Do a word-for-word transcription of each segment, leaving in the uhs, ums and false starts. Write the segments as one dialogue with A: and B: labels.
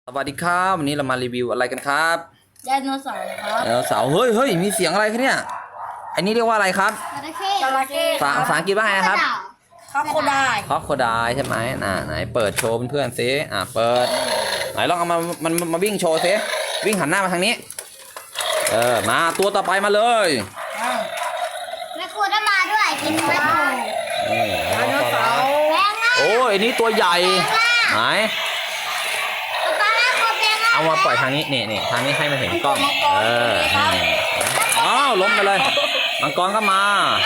A: สวัสดีครับวันนี้เรามารีวิวอะไรกันครับ
B: ไดโนเสาร์ครับ
A: ไดโนเสาร์เฮ้ยเฮ้ยมีเสียงอะไรคะเนี่ยอันนี้เรียกว่าอะไรครับ
B: จระเข้จระเข้
A: ภาษาอังกฤษว่าไงนะครับ
B: ครอบโคได
A: ครอบโคไดใช่ไหมน่ะไหนเปิดโชว์เพื่อนๆซิอ่ะเปิดไหนลองเอามามันมาวิ่งโชว์ซิวิ่งหันหน้ามาทางนี้เออมาตัวต่อไปมาเลย
B: แม่ครูได้มาด้วยกินแม่ครูไดโนเสาร์แพงมาก
A: โอ้ยอันนี้ตัวใหญ่ไหนเอามาปล่อยทางนี้นี่นี่ทางนี้ให้มันเห็นกล้องเอออ้าวล้มไปเลยมังกรก็มา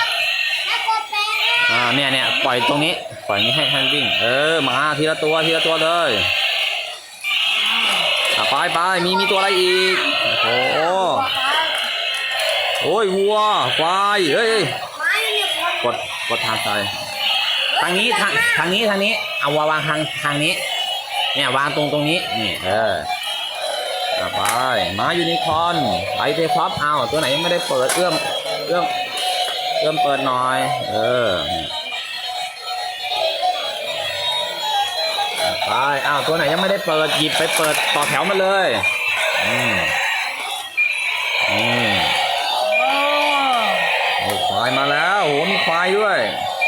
A: อ่าเนี่ยเนี่ยปล่อยตรงนี้ปล่อยนี้ให้ท่านวิ่งเออมาทีละตัวทีละตัวเลยอ่ะไปไปมีมีตัวอะไรอีกโอ้โหโอ้ยวัวควายเฮ้ยกดกดทางซ้ายทางนี้ทางทางนี้ทางนี้เอาวางทางทางนี้เนี่ยวางตรงตรงนี้นี่เออไปมายูนิคอร์นไอเทครับเอาตัวไหนยังไม่ได้เปิดเอื้อมเอื้อมเอื้อมเปิดหน่อยเออไปอ้าวตัวไหนยังไม่ได้เปิดหยิบไปเปิดต่อแถวมาเลยอืมอืมโอ้ควายมาแล้วโหมีควายด้วย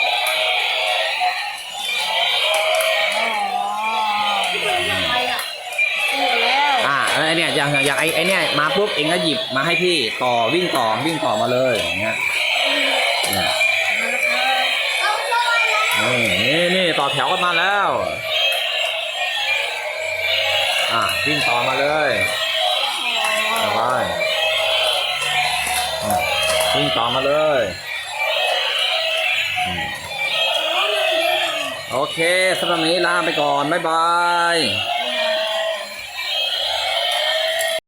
A: ไอเนี่ยอย่างอย่างไอไอเนี่ยมาปุ๊บเองก็หยิบมาให้พี่ต่อวิ่งต่อวิ่งต่อมาเลยอย่างเงี้ยเนี่ยนี่นี่นี่ต่อแถวกันมาแล้วอ่ะวิ่งต่อมาเลยไปวิ่งต่อมาเลยโอเคสำหรับนี้ลาไปก่อนบ๊ายบาย